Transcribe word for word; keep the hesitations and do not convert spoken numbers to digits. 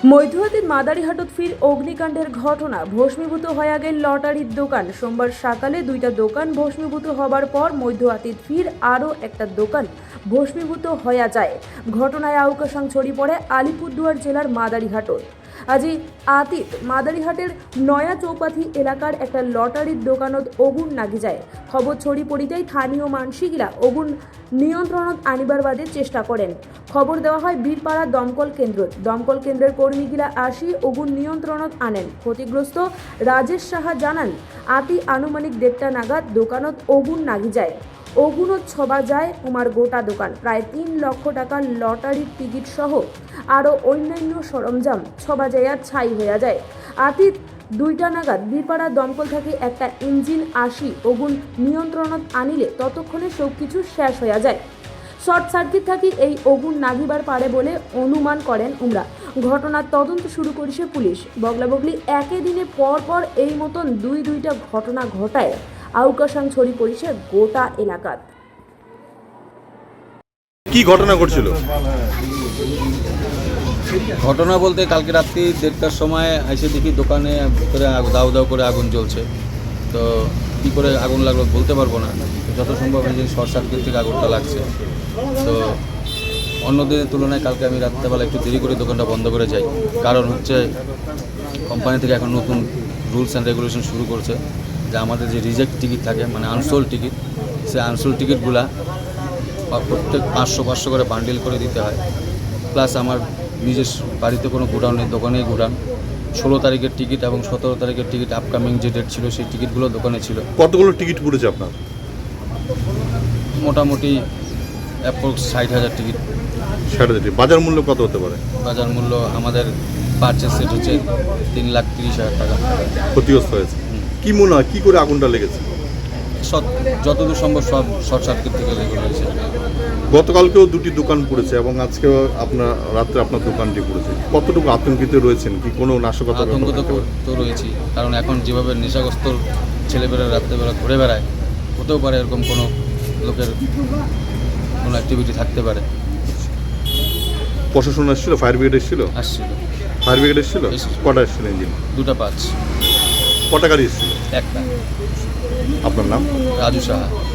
মধ্যরাতের মাদারিহাটত ফির অগ্নিকাণ্ডের ঘটনা ভস্মীভূত হয়ে গেল লটারির দোকান। সোমবার সকালে দুইটা দোকান ভস্মীভূত হবার পর মধ্যরাতের ফির আরও একটা দোকান ভস্মীভূত হয়ে যায়। ঘটনায় আউকাশাং ছড়িয়ে পড়ে আলিপুরদুয়ার জেলার মাদারিহাটত। আজি আতীত মাদারিহাটের নয়া চৌপাথি এলাকার একটা লটারির দোকানত আগুন লাগি যায়। খবর ছড়িয়ে পড়িতেই স্থানীয় মানসিকরা আগুন নিয়ন্ত্রণত আনিবার বাদে চেষ্টা করেন। খবর দেওয়া হয় বীরপাড়া দমকল কেন্দ্রত। দমকল কেন্দ্রের কর্মীগিলা আসি আগুন নিয়ন্ত্রণত আনেন। ক্ষতিগ্রস্ত রাজেশ সাহা জানান, আতি আনুমানিক দেড়টা নাগাদ দোকানত আগুন লাগি যায়। আগুনত ছবা যায় উমার গোটা দোকান। প্রায় তিন লক্ষ টাকার লটারির টিকিট সহ আরও অন্যান্য সরঞ্জাম ছবা যায় আর ছাই হয়ে যায়। আতীত দুইটা নাগাদ বীরপাড়া দমকল থেকে একটা ইঞ্জিন আসি আগুন নিয়ন্ত্রণত আনিলে ততক্ষণে সব কিছু শেষ হয়ে যায়। শর্ট সার্কিট থাকি এই আগুন নাগিবার পারে বলে অনুমান করেন উমরা। ঘটনার তদন্ত শুরু করেছে পুলিশ। বগলাবগলি একই দিনে পর পর এই মতন দুই দুইটা ঘটনা ঘটায় আউকাশাং ছড়িয়ে পড়েছে গোটা এলাকাত। কি ঘটনা ঘটছিল? ঘটনা বলতে কালকে রাত্রি দেড়টার সময় এসে দেখি দোকানে ভিতরে দাউ দাউ করে আগুন জ্বলছে। তো কী করে আগুন লাগলো বলতে পারবো না, যত সম্ভব এই যে শর্ট সার্কিট থেকে আগুনটা লাগছে। তো অন্য দিনের তুলনায় কালকে আমি রাত্রেবেলা একটু দেরি করে দোকানটা বন্ধ করে যাই, কারণ হচ্ছে কোম্পানি থেকে এখন নতুন রুলস অ্যান্ড রেগুলেশন শুরু করছে যে আমাদের যে রিজেক্ট টিকিট থাকে মানে আনসোল্ড টিকিট, সেই আনসোল্ড টিকিটগুলা প্রত্যেক পাঁচশো পাঁচশো করে বান্ডিল করে দিতে হয়। প্লাস আমার নিজের বাড়িতে কোনো গোডাউন নেই, দোকানেই গোডাউন। ষোলো তারিখের টিকিট এবং সতেরো তারিখের টিকিট আপকামিং যে ডেট ছিল সেই টিকিটগুলো দোকানে ছিল। কতগুলো টিকিট পড়েছে আপনার? মোটামুটি অ্যাপ্রক্স ষাট হাজার টিকিট। ষাট হাজার টিকিট। বাজার মূল্য কত হতে পারে? বাজার মূল্য আমাদের পারচেস সেট হচ্ছে তিন লাখ তিরিশ হাজার টাকা। ক্ষতিগ্রস্ত হয়েছে। কি মনে হয় কী করে আগুনটা লেগেছে? সব যতদূর সম্ভব সব শর্ট সার্কিট থেকে লেগে রয়েছে। গতকালকেও দুটি দোকান পড়েছে এবং আজকেও আপনার রাত্রে আপনার দোকানটি পড়েছে। কতটুকু আতঙ্কিত রয়েছেন? কি কোনো নাশকতা? আতঙ্ক তো রয়েছি, কারণ এখন যেভাবে নেশাগ্রস্ত ছেলেবেলা রাত্রেবেলা ঘুরে বেড়ায়, হতেও পারে এরকম কোনো লোকের কোনো অ্যাক্টিভিটি থাকতে পারে। প্রশাসন এসেছিল? ফায়ার ব্রিগেড এসেছিল? আসছিল। ফায়ার ব্রিগেড এসেছিল? এসেছিল। কটা এসেছিল ইঞ্জিন? দুটা পাঁচ। কটা গাড়ি এসেছিল? একটা। আপনার নাম? রাজু সাহা।